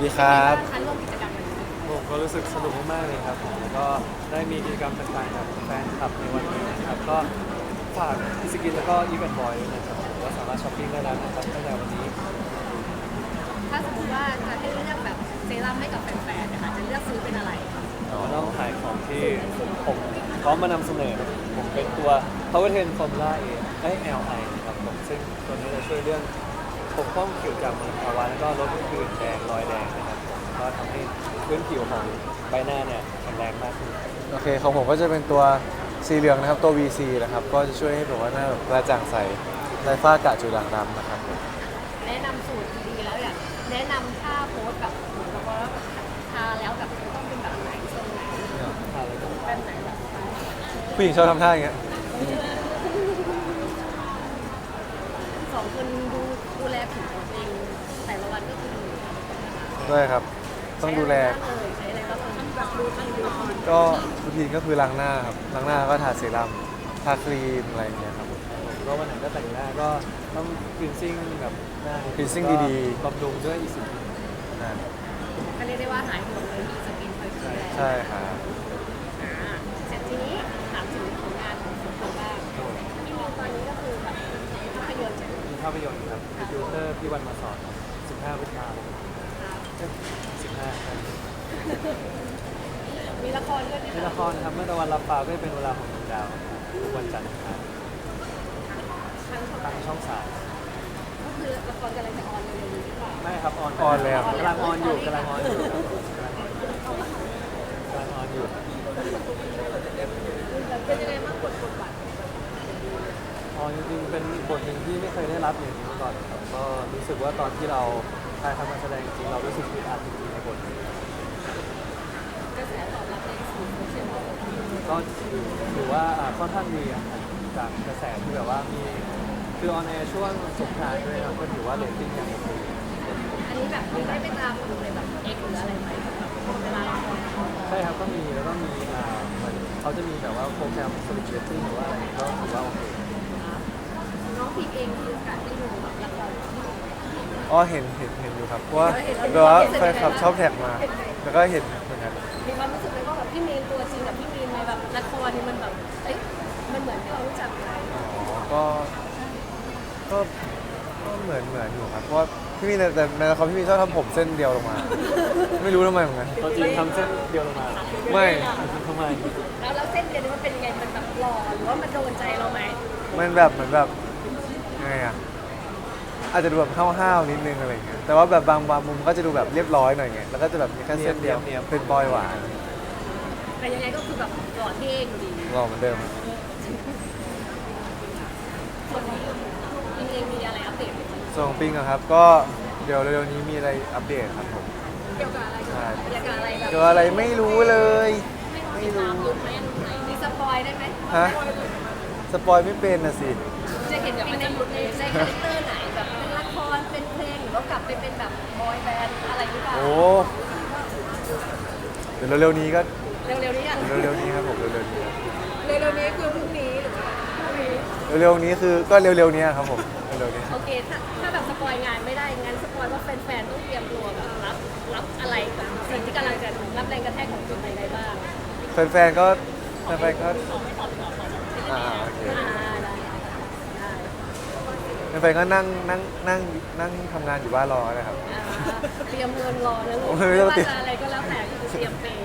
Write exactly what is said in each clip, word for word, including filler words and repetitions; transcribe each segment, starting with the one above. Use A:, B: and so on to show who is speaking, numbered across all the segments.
A: ดีครับ
B: คันร่วมกิจกรรมกัน
C: ผมก็รู้สึกสนุกมากๆเลยครับผมแล้วก็ได้มีกิจกรรมต่างๆกับแฟนคลับในวันนี้นะครับก็ฝากพิสกินแล้วก็อีเวนต์บอยด้วยนะครับผมก็สามารถช้อปปิ้งได้แล้วนะครับตั้งแต่วันนี้
B: ถ้าสมมติว่าจะให้เลือกแบบเซรั่มให้กับแฟนๆนะคะจะเลือกซื้อเป็นอะไรคะ
C: ก็ต้องขายของที่ผมพร้อมมานำเสนอผมเป็นตัว Power สิบ Formula A ไอ แอล ไอ นะครับผมซึ่งตัวนี้จะช่วยเรื่องปกป้องผิวจากมลภาวะแล้วก็ลดผื่นแดงรอยแดงนะครับผมก็ทำให้พื้นผิวของใบหน้าเนี่ยแข็งแรงมากขึ้น
A: โอเคของผมก็จะเป็นตัวสีเหลืองนะครับตัว วี ซี นะครับก็จะช่วยให้แบบว่าหน้าแบบกระจ่างใสไร้ฝ้ากระจุดด่างดำนะครับผม
B: แนะนำสูตรดีๆแล้วอยากแนะนำท่าโพสแบบแล้วก็ทาแล้วแบบต้องเป็นแบบไหนทรงไหนแบบไหนแบบ
A: ผู้หญิงชอบทำท่าอย่างเงี้ย
B: สองคนดูดูแลผิวตัวเองแต่ละวันก็คือ
A: ด้วยครับต้องดูแล
B: ใช้อะไรบ้างเลยแบบดูทั้งดู
A: ก็รูทีนก็คือล้างหน้าครับล้างหน้าก็ทาเซรั่มทาครีมอะไรอย่างเงี้ยครับผม
C: ก็วันไหนก็แต่งหน้าก็ต้องคลีนซิ่งแบบหน้า
A: cleansing ดีๆ
C: บำรุงด้วยอีสิ
A: อ่า
B: ก็เรียกได้ว่าหายห่วงเลยมีสกินคอยดูแล
A: ใช่ครับ
B: อ่าเสร็จทีนี้ถามถึงผลงานของคุณคนบ้างที่มีตอนนี้ก็คือแบบภาพยนตร์
C: มีภาพยนตร์ครับดิวเตอร์พี่วันมาสอนสิบห้าพฤษภาคมสิบห้าครับ
B: มีละครด้วยไหม
C: ใน
B: คะ
C: ละครนะครับเมื่อตะวันรับฟ้าก็เป็นเวลาของดวงดาวทุกวันจันทร์ครับ
B: ทางช่อง
C: ทางช่องสาม
B: ก็คือละครกำลังจะออนเร็วๆนี้หรือเปล่า
C: ไม่ครับออน
A: ออนแล้ว
C: กำลังออนอยู่กำลังออนอยู่กำลังออนอยู่
B: เป็นยังไงบ้างบทบทบาท
C: ออนจริงๆเป็นบทหนึ่งที่ไม่เคยได้รับอย่างนี้มาก่อนครับก็รู้สึกว่าตอนที่เราถ่ายทำการแสดงจริงเรารู้สึกอึดอัดจริงๆในบทนี้
B: กระแสตอบรับในสื่อโซเชียล
C: ก็ถือว่าอ่าค่อนข้างดีอะจากกระแสที่แบบว่ามีคือออนแอร์ช่วงสงกรานต์ด้วยครับก็ถือว่าเรตติ้งยังโอเค
B: อันนี้แบบมีได้ไปตามดูในแบบเอ็กหรืออะไรไหมเวลาละคร
C: ใช่ครับก็มีแล้วก็มีอ่าเหมือนเขาจะมีแบบว่าโปรแกรมสลิปเรตติ้งหรือว่าอะไรก็ถือว่าโอเค
B: น้องพีเองมีโอกาสได้ดูแบบละคร
A: อ๋อเห็นเห็นเห็นอยู่ครับเพราะว่าแบบว่าแฟนคลับชอบแท็กมา แล้วก็เห็นเหมือนกัน
B: มีความรู้สึกไหมว่าแบบพี่มีนตัวจริงกับพี่มีนในแบบละครนี่มันแบบเอ้ยมันเหมือนที่เรารู้จักไหม
A: อ๋อก็ก็ก็เหมือนเหมือนอยู่ครับเพราะว่าพี่มีแต่แต่ในละครพี่มีชอบทำผมเส้นเดียวลงมา ไม่รู้ทำไมเหมือนกัน
C: ตัวจริงทำเส้นเดียวลงมา
A: ไม่
C: ทำไม
B: แล้วแล้วเส้นเดียวนี้มันเป็นยังไงมันแบบหล่อหรือว่ามันโดนใจเราไหม
A: มันแบบเหมือนแบบยังไงอ่ะอาจจะดูแบบห้าวๆนิดนึงอะไรอย่างเงี้ยแต่ว่าแบบบางบางมุมก็จะดูแบบเรียบร้อยหน่อยไงแล้วก็จะแบบมีแค่เส้นเดียวเป็นบอยหวาน
B: แต่ยังไงก็คือแบบหล่อเท่อยู่ดี
A: หล่อเหมือนเดิม
B: ส่วนนี้จริงๆมีอะไรอัปเดตไหม
A: ส่วนของปิงอะครับก็เดี๋ยวเร็วๆนี้มีอะไรอัปเดตครับผม
B: เกี่ยวกับอะไร
A: ใช่
B: เกี่ยวกับอะไรแบบ
A: เกี่ยวกับอะไรไม่รู้เลย ไม่รู้
B: ลุกไหมลุกไหนมีสปอยได้ไหม
A: ฮะสปอยไม่เป็นนะสิ
B: จะเห็นแบบในในในคาแรคเตอร์ไหนแบบเป็นละครเป็นเพลงหรือว่ากลับไปเป็นแบบบอยแบนด์อะไรหรือเปล่า
A: โอ้เดี๋ยวเร็วๆนี้ก็
B: เร็วๆนี้อ่ะ
A: เร็วๆนี้ครับผมเร็วๆนี้ครับ
B: เร็วๆนี้คือพรุ่งนี้หรือว่าพรุ่งนี้
A: เร็วๆนี้คือก็เร็วๆนี้ครับผมเร็วๆนี้
B: โอเคถ้าถ้าแบบสปอยงานไม่ได้งั้นสปอยว่าแฟนๆต้องเตรียมตัวแบบรับรับอะไรกับสิ่งที่กำลังจะรับแรงกระแทกของจุดไหนได้บ้าง
A: แฟนๆก็แฟนๆก็อ่าโอเค
B: อ่าได้ได้
A: แฟนๆก็นั่งนั่งนั่งนั่งทำงานอยู่บ้านรอนะครับ
B: อ่าเตรียมเงินรอนะลูก
A: โอ้ยไม่
B: ไม่
A: ต้อง
B: ว่า
A: เตรียม
B: จะอะไรก็แล้วแต่คือเตรียมเปย์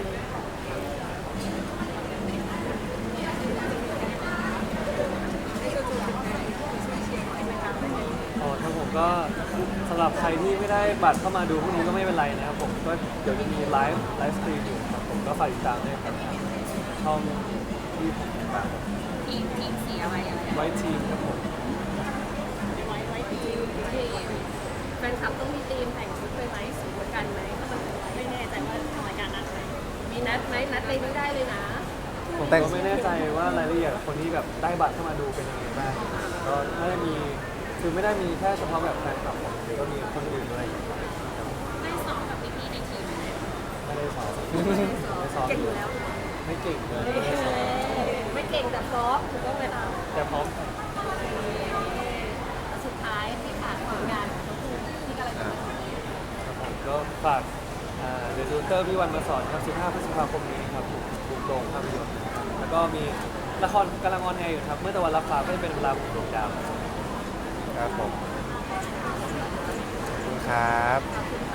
C: อ๋อครับผมก็สำหรับใครที่ไม่ได้บัตรเข้ามาดูพวกนี้ก็ไม่เป็นไรนะครับผมก็เดี๋ยวจะมีไลฟ์ไลฟ์สตรีมอยู่ครับผมก็ฝากติดตามด้วยครับช่องที่ผมติดตาม
B: ทีมทีมสีอะไรอะไร
C: ไว้ทีมครับผม
B: ไว้ไว้ทีมทีมแฟนคลับต้องมีทีมแต่งชุดไปไหมสีเหมือนกันไหมถ้ามันไม่แน่ใจว่าทำรายการนัดไหมมีนัดไหมนัดไปไม่ได้เลยนะ
A: ผมแต่ง
C: ก็ไม่แน่ใจว่ารายละเอียดคนที่แบบได้บัตรเข้ามาดูเป็นยังไงบ้างก็ไม่ได้มีคือไม่ได้มีแค่เฉพาะแบบแฟนคลับผมหรือก็มีคนอื่นด้วย
B: ไม่สอบกับพี่ๆในทีม
C: ไม่ได้สอนไม่สอน
B: เก่งอยู่แล้ว
C: ไม่เก่งเลยไม่ได้สอน
B: ไม่เก่งแต่พร้อมถูกต้องเลยค่ะ
C: แต่พร้อม
B: สุดท้ายที่ฝากผลงานของทั้งคู่ที่กำลังจะ
A: อ่า
C: ครับผมก็ฝากเดอะดูเตอร์พี่วันมาสอนครับสิบห้าพฤษภาคมนี้ครับผมบุกโรงภาพยนตร์นะครับแล้วก็มีละครกำลังออนแอร์อยู่ครับเมื่อตะวันรับฟ้าก็จะเป็นเวลาบุกดวงดาว
A: ครับผมขอบคุณครับ
B: ขอบคุณ